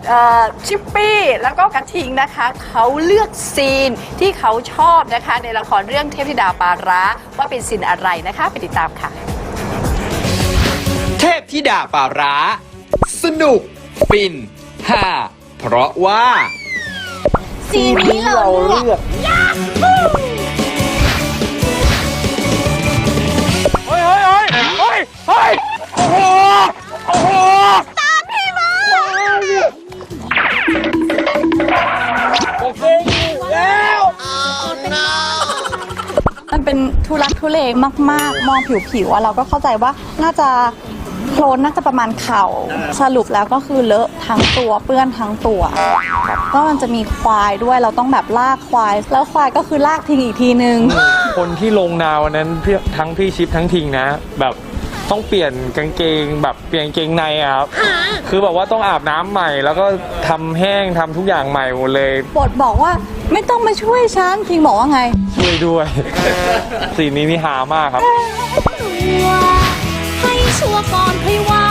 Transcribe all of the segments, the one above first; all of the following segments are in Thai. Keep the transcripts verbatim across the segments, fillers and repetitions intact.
ชิปปี้แล้วก็กระทิงนะคะเขาเลือกซีนที่เขาชอบนะคะในละครเรื่องเทพธิดาปลาร้าว่าเป็นซีนอะไรนะคะไปติดตามค่ะเทพธิดาปลาร้าสนุกฟินฮ่าเพราะว่าซีนนี้เราเลือกเฮ้ยเฮ้ยเฮ้ยเฮ้ยเฮ้ยโอ้โหโอ้โหตามพี่มาโอเคแล้วมันเป็นทุลักทุเลมากๆมองผิวๆเราก็เข้าใจว่าน่าจะโคลนน่าจะประมาณเข่าสรุปแล้วก็คือเลอะทั้งตัวเปื้อนทั้งตัวก็มันจะมีควายด้วยเราต้องแบบลากควายแล้วควายก็คือลากทิ้งอีกทีนึงคนที่ลงนาวันนั้นทั้งพี่ชิปทั้งทิงนะแบบต้องเปลี่ยนกางเกงแบบเปลี่ยนกางเกงในครับ คือแบบว่าต้องอาบน้ำใหม่แล้วก็ทำแห้งทำทุกอย่างใหม่หมดเลยบทบอกว่าไม่ต้องมาช่วยฉันทิงบอกว่าไงช่วยด้วย สีนี้นี่หามากครับให้ชัวร์ก่อนค่อยว่า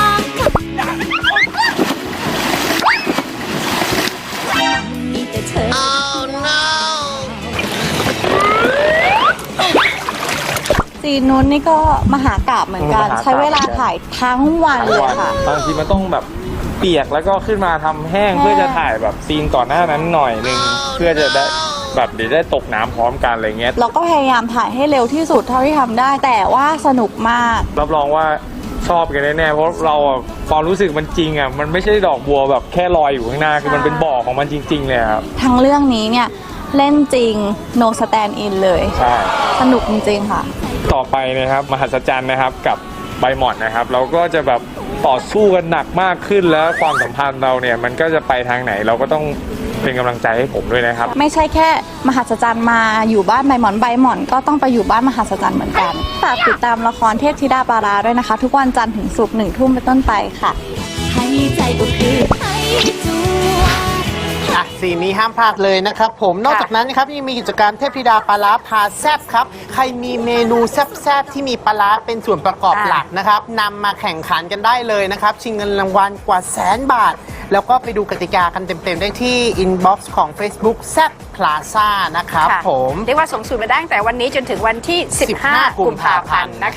มีแต่เธอ oh no ซีนนู้นนี่ก็มหากาพย์เหมือนกันใช้เวลาถ่ายทั้งวันเลยค่ะบางทีมันต้องแบบเปียกแล้วก็ขึ้นมาทำแห้งเพื่อจะถ่ายแบบซีนก่อนหน้านั้นหน่อยนึงเพื่อจะได้แบบเดี๋ยวได้ตกน้ำพร้อมกันอะไรเงี้ยเราก็พยายามถ่ายให้เร็วที่สุดเท่าที่ทำได้แต่ว่าสนุกมากรับรองว่าชอบกันแน่ๆเพราะเราความรู้สึกมันจริงอ่ะมันไม่ใช่ดอกบัวแบบแค่ลอยอยู่ข้างหน้าคือมันเป็นบ่อของมันจริงๆเลยครับทั้งเรื่องนี้เนี่ยเล่นจริง no stand in เลยใช่สนุกจริงๆค่ะต่อไปนะครับมหัศจรรย์นะครับกับใบหม่อนนะครับเราก็จะแบบต่อสู้กันหนักมากขึ้นแล้วความสัมพันธ์เราเนี่ยมันก็จะไปทางไหนเราก็ต้องเป็นกำลังใจให้ผมด้วยนะครับไม่ใช่แค่มหัศจรรย์มาอยู่บ้านใบหมอนใบหมอนก็ต้องไปอยู่บ้านมหัศจรรย์เหมือนกันฝากติดตามละครเทพธิดาปลาร้าด้วยนะคะทุกวันจันทร์ถึงศุกร์หนึ่งทุ่มเป็นต้นไปค่ะให้ใจก็คือให้จัวอ่ะซีนนี้ห้ามพลาดเลยนะครับผมนอกจากนั้นนะครับยังมีกิจกรรมเทพธิดาปลาร้าพาแซบครับใครมีเมนูแซบๆที่มีปลาร้าเป็นส่วนประกอบหลักนะครับนำมาแข่งขันกันได้เลยนะครับชิงเงินรางวัลกว่าแสนบาทแล้วก็ไปดูกติกากันเต็มๆได้ที่อินบ็อกซ์ของ Facebook แซบพลาซ่านะครับผมเรียกว่าส่งสูตรมาได้ตั้งแต่วันนี้จนถึงวันที่สิบห้ากุมภาพันธ์นะคะ